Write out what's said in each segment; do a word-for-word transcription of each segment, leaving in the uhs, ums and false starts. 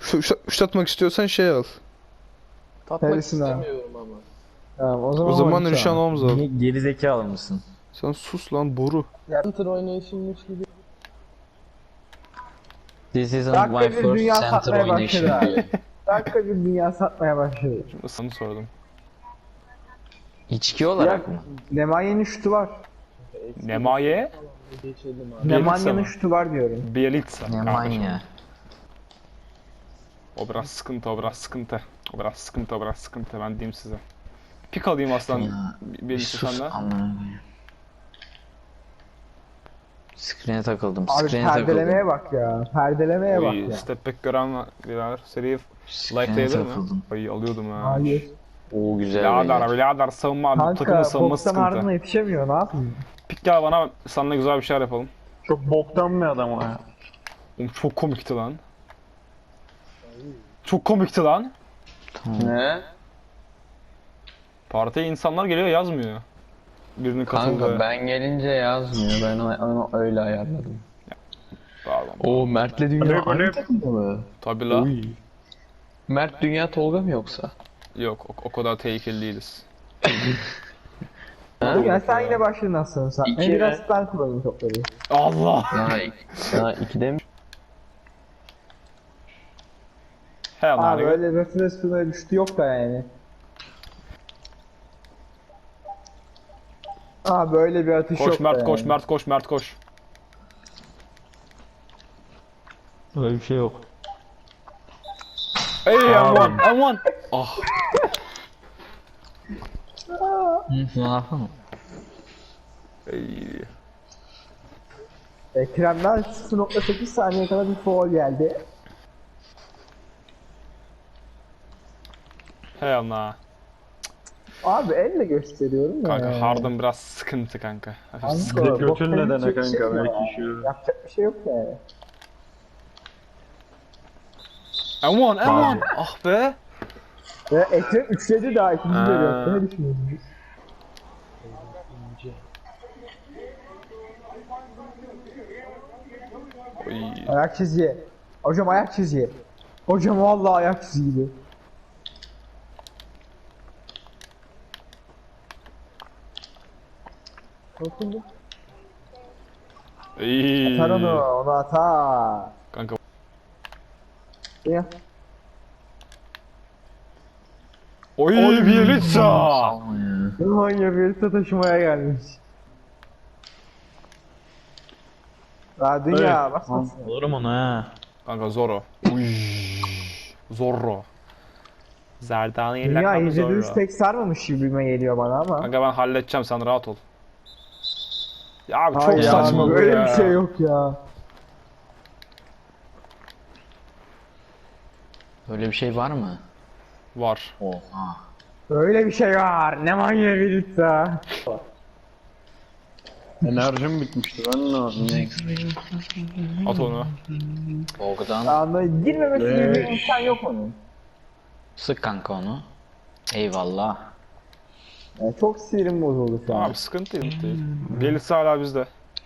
Şu, şu, şu atmak istiyorsan şey al. Tatmak Neresine abi? istemiyorum ama. Tamam o zaman O zaman Halit nişan abi. olmaz al. Niye gerizekalı mısın? Sen sus lan boru. Center oynayışımmış gibi. This isn't Dakika my bir first dünya center satmaya oynayışım başladı diyor. abi. Dakika bir dünya satmaya başladı. Şimdi sana sordum. İçki Ya olarak mı? Nemanya'nın şutu var. Nemaye? Geçelim abi. Nemanya'nın mı? şutu var diyorum. Bielitsa. Ne kardeşim. manya. O biraz sıkıntı, o biraz sıkıntı. O biraz sıkıntı, o biraz sıkıntı. Ben diyeyim size. Pik alayım aslan. Ya, Bir Bielitsa sus senden. amına. Screen'e takıldım. Abi Screen'e perdelemeye takıldım. bak ya. Perdelemeye bak Oy, ya. step back gören var. Birader. Seriyi Screen'e like'layabilir mi? takıldım. Ay alıyordum ha. Hayır. Oo güzel Birader, beyler. birader savunma. Kanka Takımın savunma Fox'tan sıkıntı. ardına yetişemiyor ne yapayım? Pik gel bana, seninle güzel bir şeyler yapalım. Çok boktan bir adam o ya. Oğlum çok komikti lan. Çok komikti lan. Ne? Partiye insanlar geliyor yazmıyor. Birinin katıldığı. Kanka ben gelince yazmıyor. Ben onu öyle ayarladım. Pardon. Oo Mert'le Dünya Alev, alev. aynı takımda mı? Tabi la. Mert Dünya Tolga mı yoksa? Yok o, o kadar tehlikeli değiliz. Ha? Ya sen yine başladın aslında sen. İki Ben biraz mi? ben kullanayım topları. Allah. Ha, ha ikide mi? He Abi lan. öyle referans bir düştü yok da yani. Aa böyle bir atış Koş yok Mert da koş yani. Mert koş Mert koş. Öyle bir şey yok. Hey M bir M bir. Ah. Hı, ne yapalım? Ey. Ekrem'den sıfır nokta sekiz saniye kadar bir foul geldi. Hey Allah. Abi elle gösteriyorum ya. Kanka Harden biraz sıkıntı kanka. Hafif Kanka, sıkıntı. Götün boktan nedene hiçbir kanka, şey yok belki ya. şu- Yapacak bir şey yok yani. M bir M bir. Ah be. Ve Ekrem üçledi daha ikinci Aa. görüyor. Ne düşünüyorsun? Oy. Ayak çizgi. Hocam ayak çizgi. Hocam vallahi ayak çizgi gibi. Dokundu. İyi. Atar onu, onu atar. Kanka Ya. oy Bielitsa. Salma ya. Almanya bir taşımaya gelmiş. Daha dünya Evet. basmasın. Alırım onu ha. Kanka Zoro. Uy. Zorro. Zerdali Dünya lakabı izlediğiniz Zorro. pek sarmamış gibime geliyor bana ama. Kanka ben halledeceğim, sen rahat ol. Ya abi çok Hayır saçma abi, bu böyle ya. bir şey yok ya. Öyle bir şey var mı? Var. Oha. Böyle bir şey var. Ne manyak bir ya. Enerjim bitmişti, ben ne yapayım? At onu. Bogdan. Anla girmemesi gibi bir Evet. imkan yok onun. Sık kanka onu. Eyvallah. Yani çok sinirim bozuldu şu an. Abi sıkıntı değil. değil. Bielitsa hala bizde.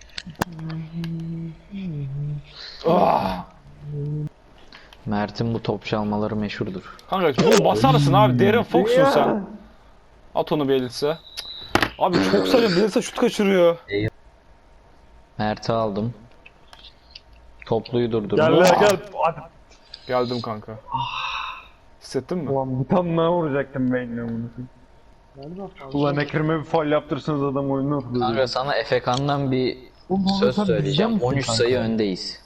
Ah! Mert'in bu top çalmaları meşhurdur. Kanka bunu basarsın abi. Darren Fox'sun sen. At onu Bielitsa. Cık. Abi çok saçma, Bielitsa şut kaçırıyor. Mert'i aldım. Topluyu durdurdum. Gel lan gel. Hadi. Geldim kanka. Hissettin mi? Ulan bir tane daha vuracaktım beynine bunu. Ulan Ekrem'e bir faul yaptırsanız adam oyunu okuyor. Kanka sana Efekan'dan bir Oğlum, söz sen söyleyeceğim. bizden misin on üç kanka? sayı öndeyiz.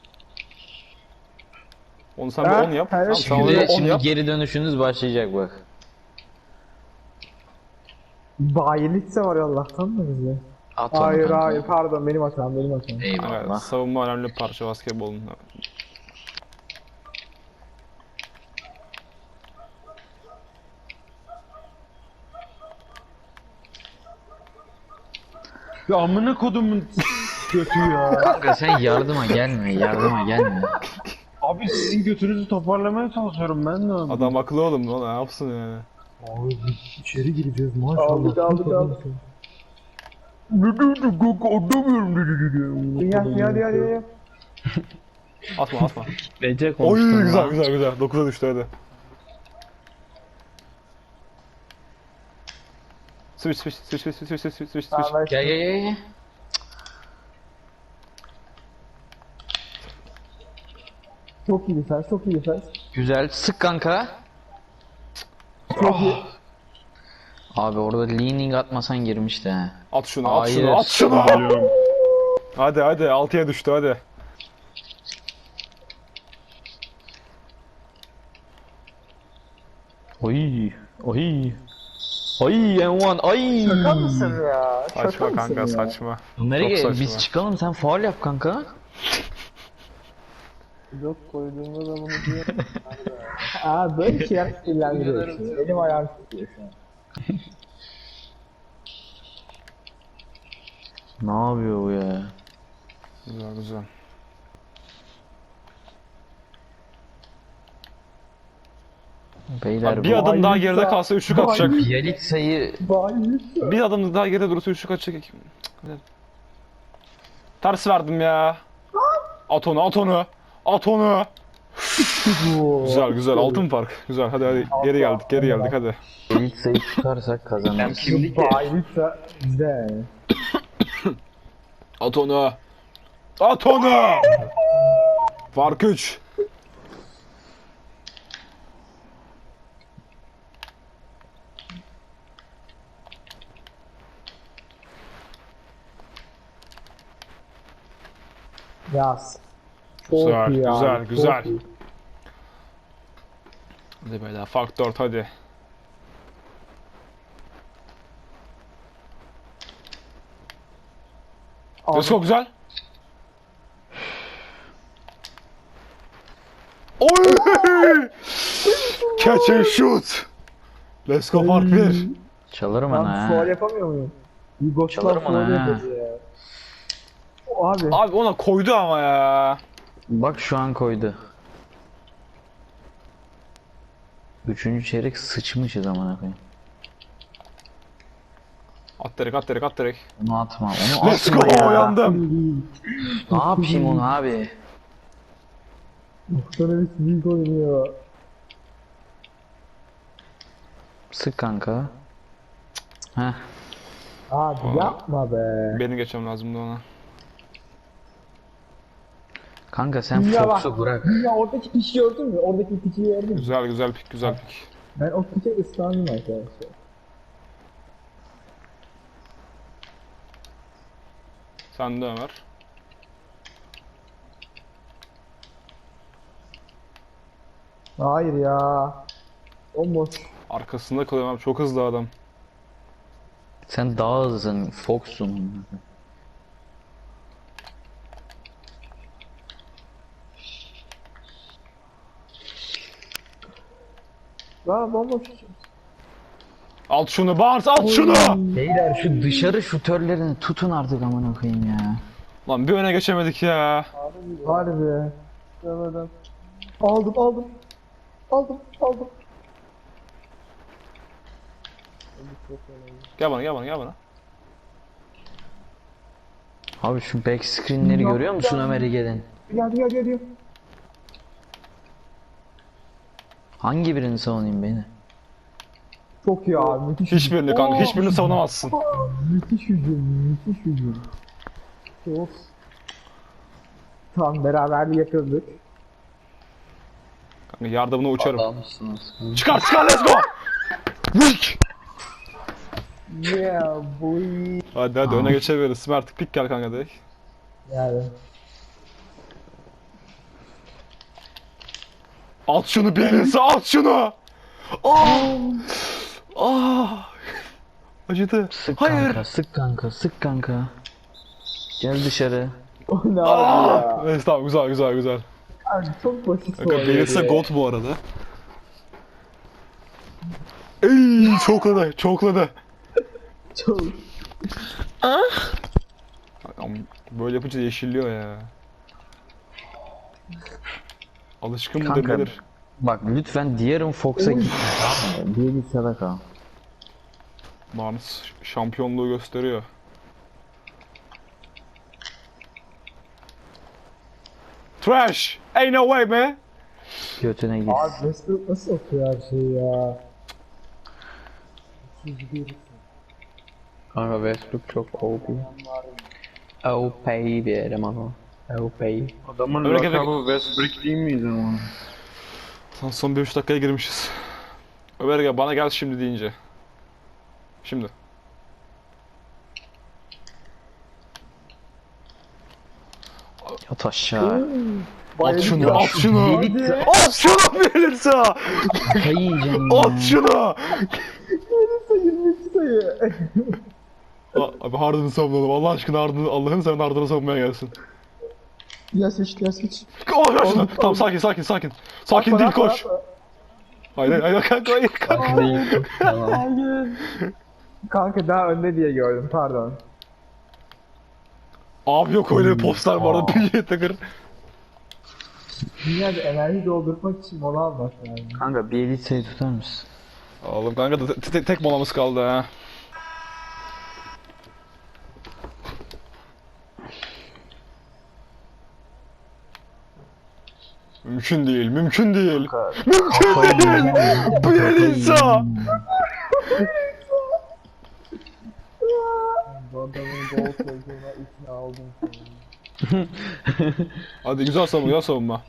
Onu sen Ha, bir on yap. evet. Tamam, sen Şimdi, onu on şimdi yap. geri dönüşünüz başlayacak bak. Bayilitse var ya Allah'tan da bize. At onu Hayır kanka. hayır pardon benim hatam benim hatam. Kanka, Eyvallah. savunma önemli bir parça basketbolun. Ya amına kodumun götü ya. Kanka sen yardıma gelme, yardıma gelme. Abi sizin götünüzü toparlamaya çalışıyorum ben de abi. Adam akıllı oğlum, o ne yapsın yani. İçeri gireceğiz maşallah. Aldık aldık aldık. Ne dedi kanka, anlamıyorum ne dedi. Dünya dünya dünya dünya. Atma atma. Bece Oy konuştum güzel lan. güzel güzel. dokuza düştü hadi. Switch switch switch switch switch switch switch switch. Tamam, ben Gel gel gel gel. çok iyi defense, çok iyi defense. Güzel sık kanka. Çok iyi. Abi orada leaning atmasan girmişti he. At şunu at Hayır. şunu at şunu. Alıyorum. Hadi hadi altıya düştü hadi. Oy. Oy. Oy M bir ay. Şaka mısın ya? Şaka Saçma mısın kanka ya? saçma. Ömer'e Çok gel saçma. biz çıkalım sen faul yap kanka. Yok koyduğumda da bunu diyor. Aa böyle şeyler sinirlendiriyor. şimdi. Elim ayağım tutuyor şu an. Ne yapıyor bu ya? Güzel güzel. Beyler Bir bu adım daha Vay geride lütfen. kalsa üçlük Vay atacak. Bielitsa'yı Vay lütfen. Bir adım daha geride durursa üçlük atacak. Cık, ters verdim ya. At onu at onu. At onu. Güzel güzel altın fark. Güzel hadi hadi geri geldik geri geldik hadi. Bielitsa'yı tutarsak kazanırız. Vay lütfen. Güzel. At onu. At onu. Fark üç. Yaz. Çok Güzel, iyi ya. güzel, çok güzel. iyi. Hadi beyler fark dört hadi. Abi, Çok güzel. Oy! Catch and shoot. Let's go fark bir. Çalarım ben ana sual ha. yapamıyor muyum? Yugoslav Çalarım onu sual ha. yapıyordu ya. O abi. Abi ona koydu ama ya. Bak şu an koydu. Üçüncü çeyrek sıçmışız amına koyayım. At direkt at direkt at direkt. Onu atma, onu Let's atma go ya. uyandım. Ne yapayım onu abi? Muhtemelen büyük oynuyor. Sık kanka. Heh. Abi yapma be. Benim geçmem lazımdı ona. Kanka sen Dünya bak. Fox'u bırak. Dünya oradaki piçi gördün mü? Oradaki piçi gördün mü? Güzel güzel pik güzel pik. Ben o piçe ıslandım arkadaşlar. Sen de Ömer. Hayır ya. Bomboş. Arkasında kalıyorum abi çok hızlı adam. Sen daha hızlısın, Fox'sun. Lan bomboş. At şunu Barnes at şunu. Beyler şu dışarı şutörlerini tutun artık amına koyayım ya. Lan bir öne geçemedik ya. Harbi. Demedim. Aldım aldım. Aldım aldım. Gel bana gel bana gel bana. Abi şu back screen'leri görüyor musun Ömer İge'den? Geldi geldi geldi. Hangi birini savunayım beni? Çok iyi abi müthiş. Hiçbirini kanka hiçbirini savunamazsın. Müthiş hücum, müthiş hücum. Of. Tamam beraberliği yakaladık. Kanka yardımına uçarım. Adamsınız. Çıkar çıkar let's go. Vik. Yeah boy. Hadi hadi öne geçebiliriz. Mert pik gel kanka direkt. Yani. At şunu birisi at şunu. Ah. Ah. Acıdı. Sık Hayır. kanka, sık kanka, sık kanka. Gel dışarı. O ne abi Ah. ya? Evet tamam güzel güzel güzel. Abi çok basit Kanka oynuyor Bielsa ya. God bu arada. Ey çokladı çokladı. Çok. Ama böyle yapınca yeşilliyor ya. Alışkın mıdır Kanka. nedir? Bak lütfen diğerin Fox'a gitme tamam mı? Bir git sadaka. Barnes şampiyonluğu gösteriyor. Trash. Ain't no way man. Götüne gir. Abi Westbrook nasıl okuyor her şeyi ya? Kanka Westbrook çok O P. O P bir eleman o. O P. Adamın Öyle lakabı Westbrook değil miydi ama? Son, son bir üç dakikaya girmişiz. Ömer gel bana gel şimdi deyince. Şimdi. Yat aşağı. At şunu, at şunu. At şunu verirse. Kafayı yiyeceğim ya. At şunu. yirmi iki sayı. A- Abi Harden'ı savunalım. Allah aşkına Harden'ı, Allah'ın sen Harden'ı savunmaya gelsin. Ya seç, ya seç. Oh ya şunu. Tamam sakin sakin sakin. Sakin değil koş. Hayır hayır hayır kanka hayır kanka. Değil. Tamam. Hayır. Kanka daha önde diye gördüm, pardon. Abi yok öyle bir poster bu arada. P J Tucker. Dünyada enerji doldurmak için mola almak yani. Kanka bir elitseyi tutar mısın? Oğlum kanka da te- te- tek molamız kaldı ha. Mümkün değil, mümkün değil. Mümkün değil. Bu Yelisa. Bu adamın gol koyduğuna ikna oldum. Hadi güzel savunma, güzel savunma.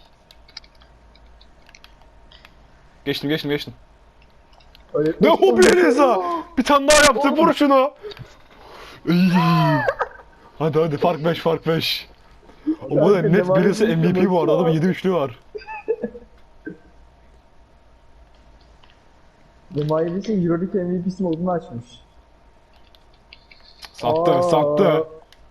Geçtim, geçtim, geçtim. Öyle Ne o bu Yelisa? Bir tane daha yaptı, vur şunu. İyi. Hadi hadi, fark beş, fark beş. O bu da net birisi M V P bu arada, adamın yedi üçlüğü var. Demayris'in Euroleague M V P'si modunu açmış. Sattı, Aa. sattı.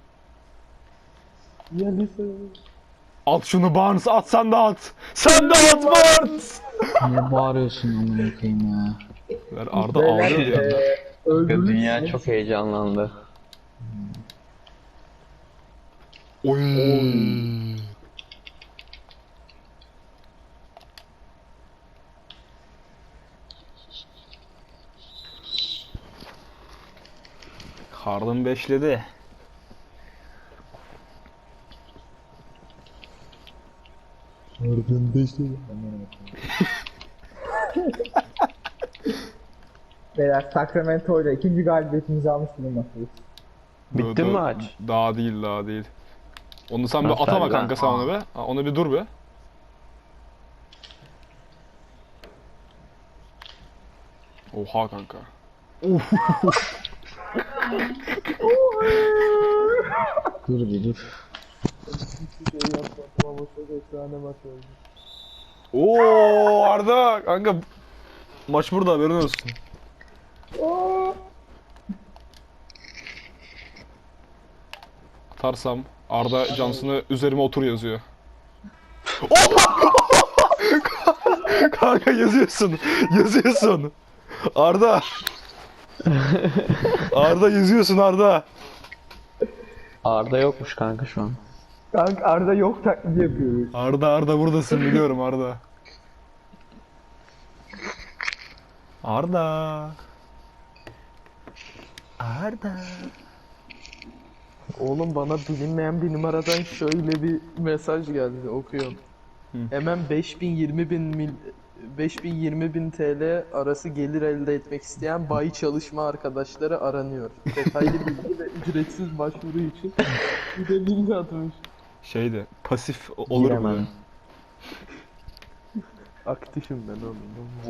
Yelisa. At şunu Barnes, at sen de at. Sen de at Barnes. Ne bağırıyorsun amına koyayım ya? Ver, Arda ağlıyor bir anda. Öldürürsün. Dünya çok heyecanlandı. Oy. Harden beşledi. Harden beşli. Beyler Sacramento ile ikinci galibiyetimizi almış bulunmaktayız. Bitti mi maç? Daha değil, daha değil. Onu sen bir Nasıl atama abi? kanka sen onu be. Ha, onu bir dur be. Oha kanka. Dur bir dur. Oo Arda kanka maç burada haberin olsun. Atarsam Arda Johnson'ı üzerime otur yazıyor. Kanka yazıyorsun. Yazıyorsun. Arda. Arda yazıyorsun Arda. Arda yokmuş kanka şu an. Kanka Arda yok taklidi yapıyoruz. Arda Arda buradasın biliyorum Arda. Arda. Arda. Oğlum bana bilinmeyen bir numaradan şöyle bir mesaj geldi, okuyorum. Hemen beş bin yirmi bin mil beş bin yirmi bin T L arası gelir elde etmek isteyen bayi çalışma arkadaşları aranıyor. Detaylı bilgi ve ücretsiz başvuru için bir de link atmış. Şeydi pasif olur mu? Giremem. Aktifim ben oğlum.